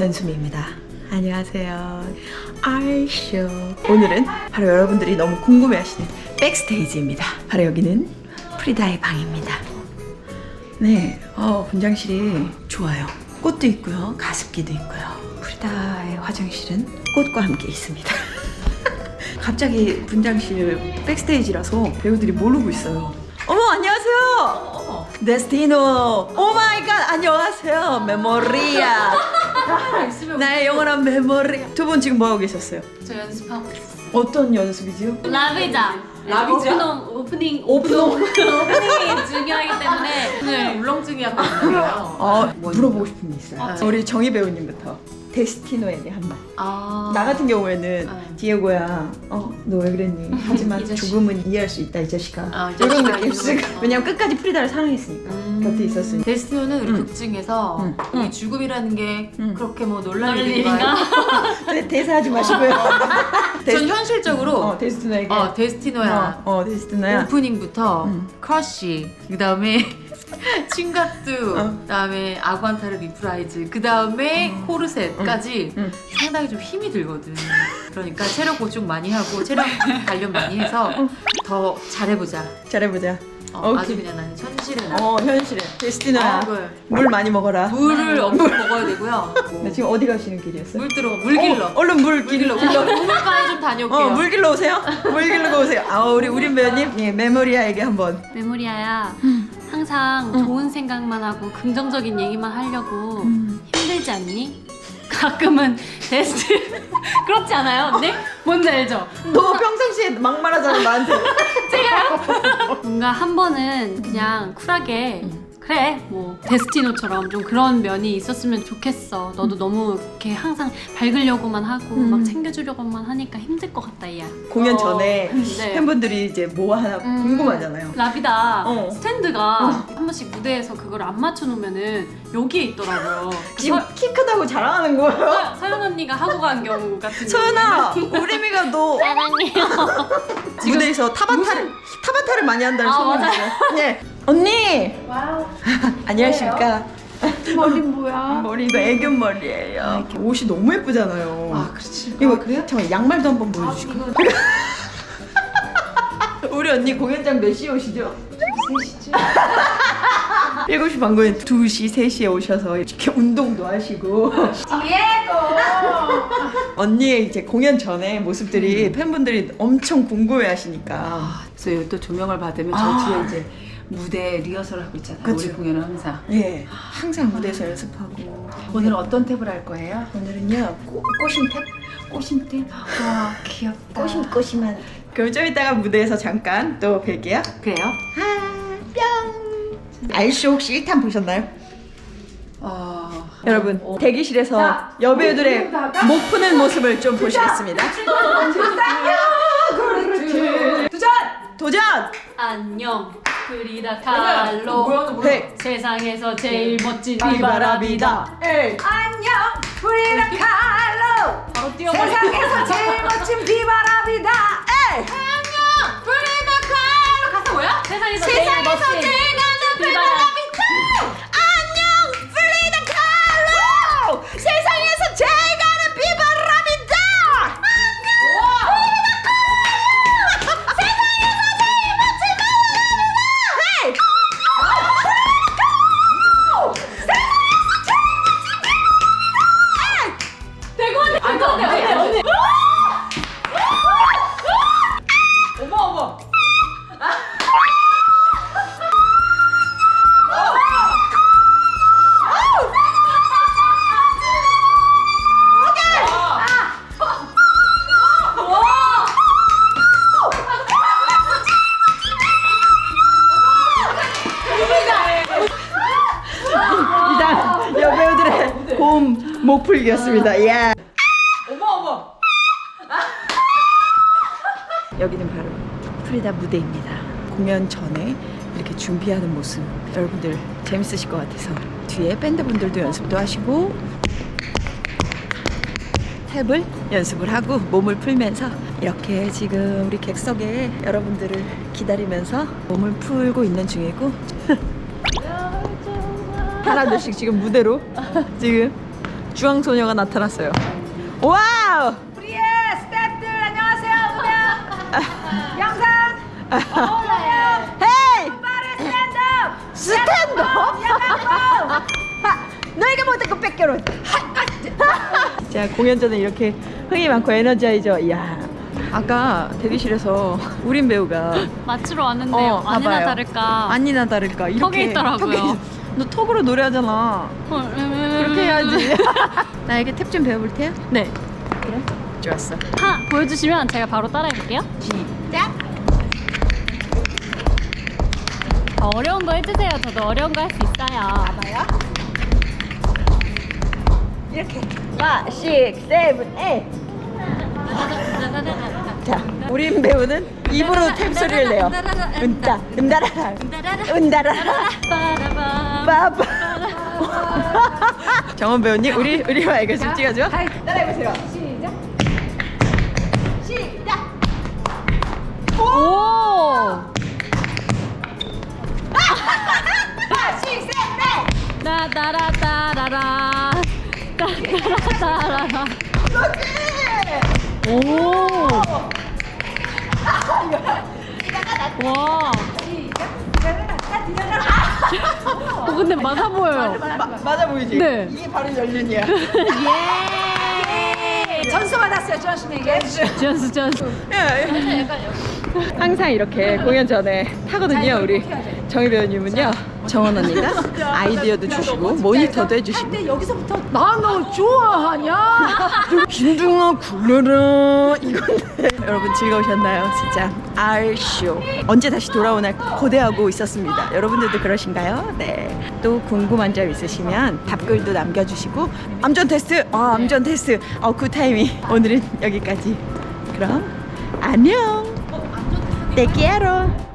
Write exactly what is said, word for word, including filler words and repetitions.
전수미입니다. 안녕하세요. 아이쇼. 오늘은 바로 여러분들이 너무 궁금해하시는 백스테이지입니다. 바로 여기는 프리다의 방입니다. 네, 어, 분장실이 좋아요. 꽃도 있고요, 가습기도 있고요. 프리다의 화장실은 꽃과 함께 있습니다. 갑자기 분장실 백스테이지라서 배우들이 모르고 있어요. 어머, 안녕하세요. 어머. 데스티노. 오 마이 갓. 안녕하세요. 메모리아. 나의 영원한 메모리아. 두 분 지금 뭐 하고 계셨어요? 저 연습하고 있었어요. 어떤 연습이지요? 라비자. 라비자? 오프닝 오프닝 오프닝. 오프닝이 중요하기 때문에 오늘 울렁증이 약간 있어요. 어, 물어보고 싶은 게 있어요. 아, 우리 정희 배우님부터 데스티노에게 한 말. 아. 나 같은 경우에는 아. 디에고야, 어, 너 왜 그랬니? 하지만 이 자식. 조금은 이해할 수 있다, 이 자식아. 아, 이 이런 자식아, 느낌. 이거. 왜냐면 끝까지 프리다를 사랑했으니까. 음. 곁에 있었으니까. 데스티노는 우리 음. 극 중에서 음. 이 음. 죽음이라는 게 음. 그렇게 뭐 놀랄 놀랄 일인가? 대- 대사하지 마시고요. 전 현실적으로 어, 데스티노에게. 어, 데스티노야. 어, 어, 데스티노야. 오프닝부터 음. 크러쉬, 그 다음에 칭가뚜, 어. 그 다음에 아구안타르 리프라이즈, 그 다음에 코르셋까지 응. 상당히 좀 힘이 들거든. 그러니까 체력 보충 많이 하고 체력 단련 많이 해서 더 잘해보자. 잘해보자. 어, 오케이. 아주 그냥 나는 천실해. 나. 어, 현실에. 데스티노야. 아, 그걸. 물 많이 먹어라. 물을 엄청 먹어야 되고요. 네, 지금 어디 가시는 길이었어요? 물 들어, 물 길러. 어, 얼른 물 길러. 물 길러. 우물가에 좀 다녀올게요. 어, 물 길러 오세요. 물 길러 오세요. 아, 우리 우린 배우님, 예, 메모리아에게 한번. 메모리아야 항상 좋은 생각만 하고 긍정적인 얘기만 하려고 힘들지 않니? 가끔은 데스트 그렇지 않아요 언니? 뭔지 알죠? 너 평상시에 막말하잖아 나한테. 뭔가 한 번은 그냥 쿨하게 그래 뭐 데스티노처럼 좀 그런 면이 있었으면 좋겠어. 너도 너무 이렇게 항상 밝으려고만 하고 음. 막 챙겨주려고만 하니까 힘들 것 같다 얘야. 공연 어, 전에 네. 팬분들이 이제 뭐 하나 음. 궁금하잖아요. 라비다 어. 스탠드가 한 번씩 무대에서 그걸 안 맞춰놓으면은 여기에 있더라고요. 그 지금 서, 키 크다고 자랑하는 거예요? 서, 서연 언니가 하고 간 경우 같은 서연아, 우리미가 너 사랑해요. 무대에서 타바타를 타바타를 많이 한다는 아, 소문이 맞아요. 있어요. 네, 언니. 와우. 안녕하십니까. 머리 뭐야? 머리 이거 애견 머리예요. 옷이 너무 예쁘잖아요. 아, 그렇지. 이거 아, 그래요? 잠깐 양말도 한번 보여주시고. 우리 언니 공연장 몇 시에 오시죠? 세 시쯤. 일곱 시 반 공연 두 시, 세 시에 오셔서 이렇게 운동도 하시고. 디에고. 언니의 이제 공연 전에 모습들이 팬분들이 엄청 궁금해 하시니까. 그래서 여기 또 조명을 받으면 아. 저 뒤에 이제 무대 리허설 하고 있잖아요. 그쵸. 우리 공연은 항상. 예, 항상 무대에서 연습하고. 오늘 어떤 탭을 할 거예요? 오늘은요, 꼬, 꼬심탭? 꽃심탭? 와 귀엽다. 꼬심, 꼬심한. 그럼 좀 이따가 무대에서 잠깐 또 뵐게요. 그래요? 아, 뿅. 알쇼 혹시 일 탄 보셨나요? 어... 여러분, 대기실에서 자, 여배우들의 우리 나가? 목 푸는 모습을 좀 보시겠습니다. 도전. 도전! 안녕 프리다 칼로 뭐야, 너 뭐야? 네. 세상에서 제일 멋진 비바라비다. 에이. 안녕. 프리다 칼로. 바로 뛰어버려. 세상에서 제일 멋진 비바람이다. 에이. 프리다 칼로 가사 뭐야? 세상에서, 제일 멋진 비바라비다. 안녕, 프리다 칼로! 세상에서 제일 가는 비바람이다! 안돼 안돼 안돼. 어머 어머. 이상 여배우들의 고음 목풀기였습니다. 예. 어머 어머. 여기는 바로 프리다 무대입니다. 공연 전에 이렇게 준비하는 모습 여러분들 재밌으실 것 같아서 뒤에 밴드분들도 연습도 하시고 탭을 연습을 하고 몸을 풀면서 이렇게 지금 우리 객석에 여러분들을 기다리면서 몸을 풀고 있는 중이고 사람들씩 지금 무대로 지금 주황소녀가 나타났어요. 와우! 우리의 스태프들 안녕하세요. 오늘 영상 어울려요. 헤이! 빠른 스탠드업. 스탠드업? 야간봉. 너희가 못한 거 뺏겨로. 자, 공연 전에 이렇게 흥이 많고 에너자이저. 이야. 아까 대기실에서 우린 배우가 맞추러 왔는데 어, 아니나 봐봐요. 다를까 아니나 다를까 이렇게 턱에 있더라고요. 턱에 있- 너 턱으로 노래하잖아. 그렇게 그렇게 해야지. 나에게 탭 좀 배워볼 테야? 네. 그래? 좋았어. 하 보여주시면 제가 바로 따라해볼게요. 시작. 더 어려운 거 해주세요. 저도 어려운 거 할 수 있어요. 봐요. 이렇게. 파, 식, 세븐, 에잇. 자, 우린 배우는 입으로 탭 소리를 내요. 은따, 은다라라, 은다라라, 빠빠. 정원 배우님, 우리 우리와 이거 좀 찍어줘. 따라해보세요. 시작. 시작. 오! 파, 식, 세븐, 에잇. 따라따라따라라 따라따라라 오! 와! 어, 근데 맞아 보여요. 마, 맞아 보이지? 네. 이게 바로 연륜이야. 전수 받았어요. 조심하게. 지연수 지연수. 항상 이렇게 공연 전에 타거든요. 우리 정희 배우님은요. 정원 언니가 아이디어도 주시고 모니터도 해주시고. 근데 여기서부터 나 너 좋아하냐? 빈둥아 굴러라 이건데. 여러분 즐거우셨나요? 진짜 R쇼 언제 다시 돌아오나 고대하고 있었습니다. 여러분들도 그러신가요? 네. 또 궁금한 점 있으시면 답글도 남겨주시고. 암전 테스트. 아 암전 테스트. 어 굿타이밍. 오늘은 여기까지. 그럼 안녕. Te quiero.